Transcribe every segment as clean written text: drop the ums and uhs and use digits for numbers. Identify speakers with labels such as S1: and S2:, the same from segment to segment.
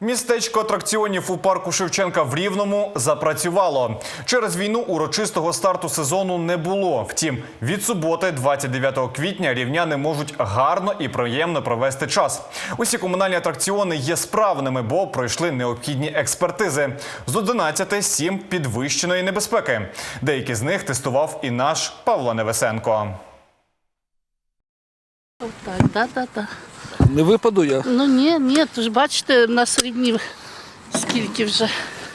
S1: Містечко атракціонів у парку Шевченка в Рівному запрацювало. Через війну урочистого старту сезону не було. Втім, від суботи, 29 квітня, рівняни можуть гарно і приємно провести час. Усі комунальні атракціони є справними, бо пройшли необхідні експертизи. З 11 – 7 підвищеної небезпеки. Деякі з них тестував і наш Павло Невесенко.
S2: Так.
S3: Не випаду я?
S2: Ну ні, то ж бачите, на середні скільки вже.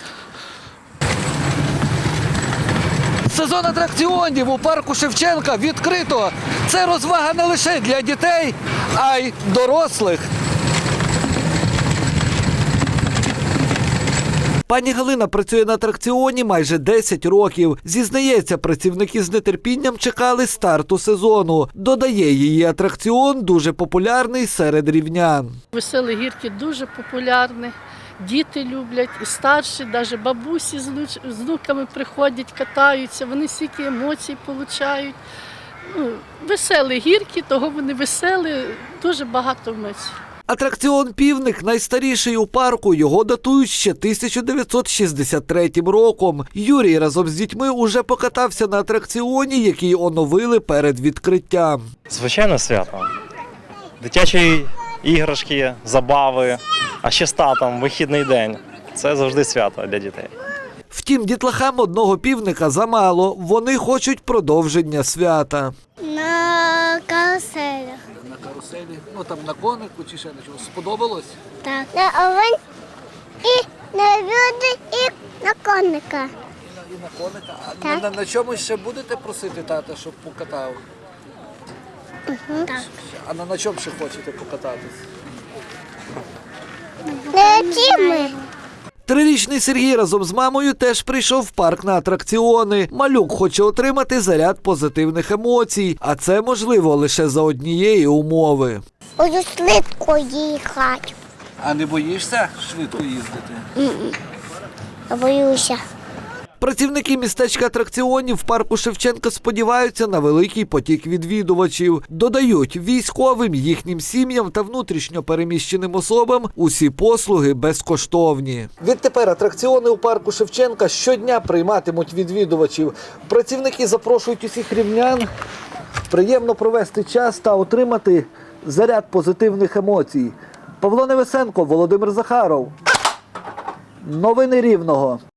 S3: Сезон атракціонів у парку Шевченка відкрито. Це розвага не лише для дітей, а й дорослих. Пані Галина працює на атракціоні майже 10 років. Зізнається, працівники з нетерпінням чекали старту сезону. Додає, її атракціон дуже популярний серед рівнян.
S2: Веселі гірки дуже популярні. Діти люблять, і старші, навіть бабусі з внуками приходять, катаються, вони стільки емоцій отримують. Веселі гірки, того вони веселі, дуже багато емоцій.
S3: Атракціон «Півник» найстаріший у парку. Його датують ще 1963 роком. Юрій разом з дітьми уже покатався на атракціоні, який оновили перед відкриттям.
S4: Звичайно, свято. Дитячі іграшки, забави, а ще з татом, вихідний день. Це завжди свято для дітей.
S3: Втім, дітлахам одного півника замало. Вони хочуть продовження свята.
S5: На каруселях.
S3: На каруселі, там на конику чи ще на чому. Сподобалось?
S5: Так. На овень і на люди, і на коника.
S3: І на коника.
S5: Так.
S3: На чомусь ще будете просити тата, щоб покатав?
S5: Так.
S3: А на чому ще хочете покататись?
S5: На тіми.
S3: Трирічний Сергій разом з мамою теж прийшов в парк на атракціони. Малюк хоче отримати заряд позитивних емоцій, а це можливо лише за однієї умови.
S5: Буду швидко їхати.
S3: А не боїшся швидко їздити?
S5: Боюся.
S3: Працівники містечка атракціонів в парку Шевченка сподіваються на великий потік відвідувачів. Додають, військовим, їхнім сім'ям та внутрішньо переміщеним особам усі послуги безкоштовні. Відтепер атракціони у парку Шевченка щодня прийматимуть відвідувачів. Працівники запрошують усіх рівнян приємно провести час та отримати заряд позитивних емоцій. Павло Невесенко, Володимир Захаров. Новини Рівного.